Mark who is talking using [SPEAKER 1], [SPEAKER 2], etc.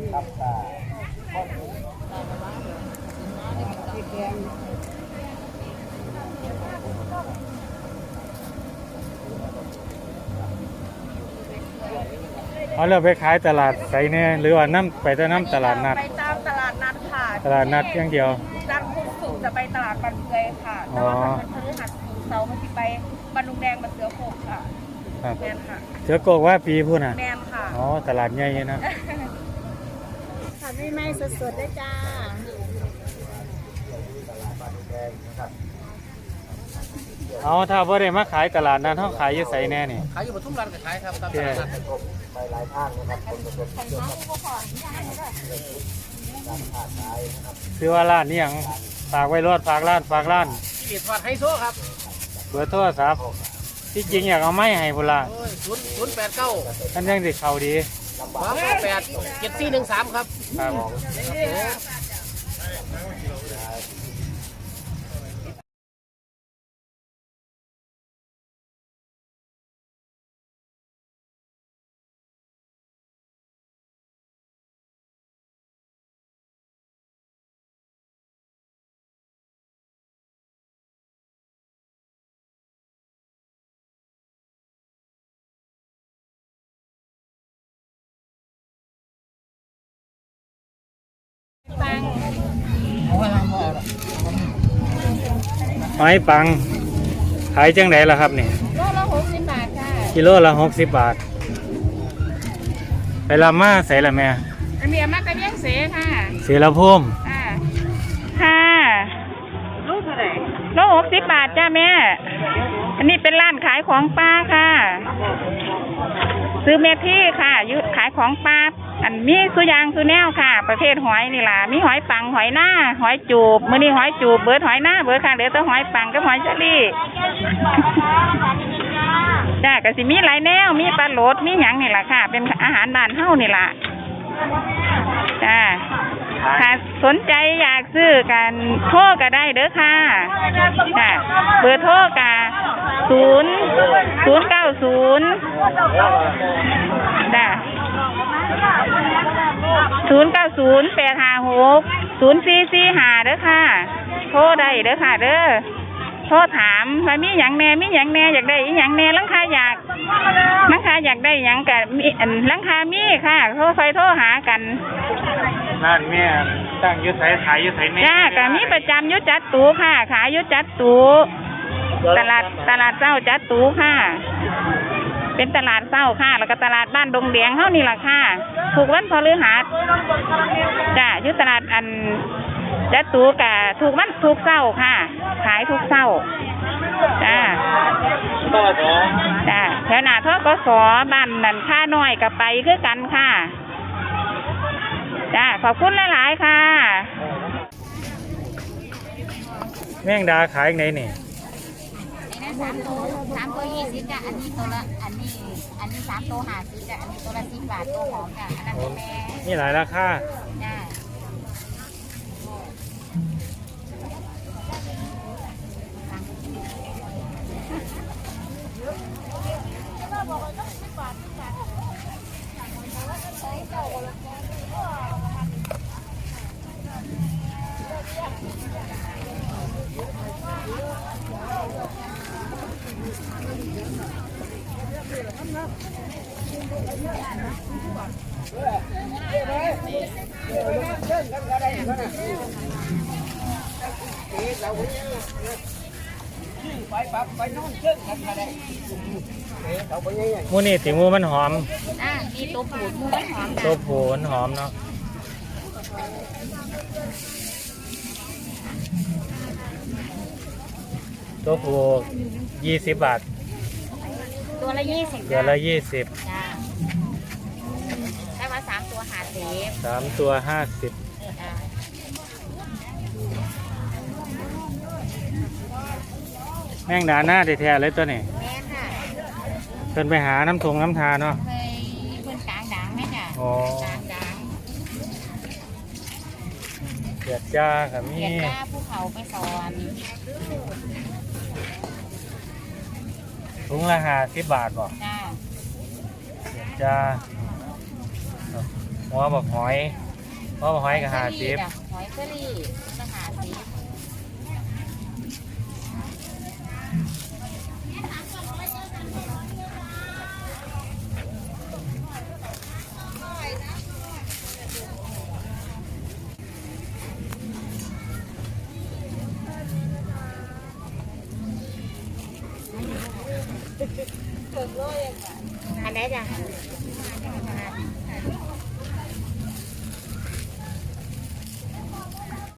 [SPEAKER 1] เอาเราไปขายตลาดไสเนี่ยหรือว่าน้ำไปแต่น้ำตลาดนัด
[SPEAKER 2] ไปตามตลาดนัดค่ะ
[SPEAKER 1] ตลาดนัดอย่างเดียว
[SPEAKER 2] จันทร์พุธศุกร์จะไปตลาดบันเกยค่ะแต่ว่าวันพฤหัสศุกร์เสาร์มันจะไปบันดุงแดงบันเสือโขกค่ะแมนค่ะ
[SPEAKER 1] เสือโกกว่าปีพูดน่ะ
[SPEAKER 2] แมนค่ะ
[SPEAKER 1] อ๋อตลาดใหญ่นะ
[SPEAKER 2] ค่ะไม่สดๆได้จ้า
[SPEAKER 1] เอาถ้าบ่ได้มาขายตลาดนั้นเขาขายอยู่ไสแน่นี่
[SPEAKER 3] ขายอยู่ปทุมรัฐก็ขายครับตามตลาดนัดไปหลายทางนะครับ
[SPEAKER 1] คือว่าร้านนี้ยังฝากไว้รอดฝากร้าน
[SPEAKER 3] ที่ทอดไฮโซครับ
[SPEAKER 1] เบอร์โทรศัพท์ที่จริงอยากเอาไม้ให้พุ่นล่ะ
[SPEAKER 3] 089
[SPEAKER 1] ท่านยังสิเข้าดี
[SPEAKER 3] 2887413ครับ
[SPEAKER 1] ครับหอยปังขายจังไหนล่ะครับนี่
[SPEAKER 2] โลละ60 บาทค่ะ
[SPEAKER 1] กิโลละ60 บาทไปลามาใส่ละแม่
[SPEAKER 2] อันนี้มากระเบี้ยงเสค่ะ
[SPEAKER 1] เสียละพุ่ม
[SPEAKER 2] ค่ะลูกเท่าไหร่โล60 บาทจ้าแม่อันนี้เป็นร้านขายของปลาค่ะซื้อเมที่ค่ะยุขายของปลาอันมีสุยางสุแนวค่ะประเภทหอยนี่ล่ะมีหอยปังหอยหน้าหอยจูบมื้อนี้หอยจูบเบิดหอยหน้าเบิดค่ะเหลือแต่หอยปังกับหอยเชอรี่จ้าก็สิมีหลายแนวมีปลาโหลดมีหยังนี่ล่ะค่ะเป็นอาหารบ้านเฮานี่ล่ะจ้าถ้าสนใจอยากซื้อกันโทรก็ได้เด้อค่ะจ้าเบอร์โทรก็090จ้า090-856-0445เด้อค่ะโทรได้เด้อค่ะเด้อโทรถามว่ามีหยังแน่อยากได้อีหยังแน่ลังคาอยากได้หยังก็มีลังคามีค่ะโทรหากัน
[SPEAKER 1] ร้านแม่ตั้งอยู่ไสขายอยู่ไสแม่
[SPEAKER 2] จ้าก็มีประจำอยู่จัดตูค่ะขายอยู่จัดตูตลาดเจ้าจัดตูค่ะเป็นตลาดเช้าค่ะแล้วก็ตลาดบ้านดงแดงเฮานี่ล่ะค่ะทุกวันพฤหัสจ้าอยู่ตลาดอันจัดตูกะทุกวันทุกเช้าค่ะขายทุกเช้าจ้าจ้าแถวหน้าทกสบ้านนั่นค่าน้อยก็ไปคือกันค่ะจ้าขอบคุณหลายๆค่ะ
[SPEAKER 1] แมงดาขายไหนนี่
[SPEAKER 4] 3 ตัว20จ้ะอันนี้ตัวละอันนี้3 ตัว50จ้ะอันนี้ตัวละ10 บาทตัวหอมจ้ะอันนั้นแม่
[SPEAKER 1] นี่หลายราคา
[SPEAKER 4] จ้ะ
[SPEAKER 1] มูนี่ติมูมันหอม
[SPEAKER 4] นี่ตัวผูดมูมันหอม
[SPEAKER 1] ตัวผูนหอมเนาะตัวผู20 บาท
[SPEAKER 4] ตัวละ20
[SPEAKER 1] ตัวละ20
[SPEAKER 4] จ้าได้มา3 ตัว50
[SPEAKER 1] 3 ตัว50แมงดาหน้าแท้ๆเลยตัวนี้
[SPEAKER 4] แม่ค่ะ
[SPEAKER 1] เพิ่นไปหาน้ำทาเนาะ
[SPEAKER 4] เคยเพิ่นกลางด่างไหมจ้ะกลางด่าง
[SPEAKER 1] เกียดจ้าค่ะมี
[SPEAKER 4] เกียดจ้าภูเขาไปสอน
[SPEAKER 1] ถุงละ50 บาทบ่
[SPEAKER 4] จ้า
[SPEAKER 1] เกียดจ้าหัวบักหอยหัวบักหอยกับ50
[SPEAKER 4] หอยเชอรี่ละ50อันไหนจ้ะ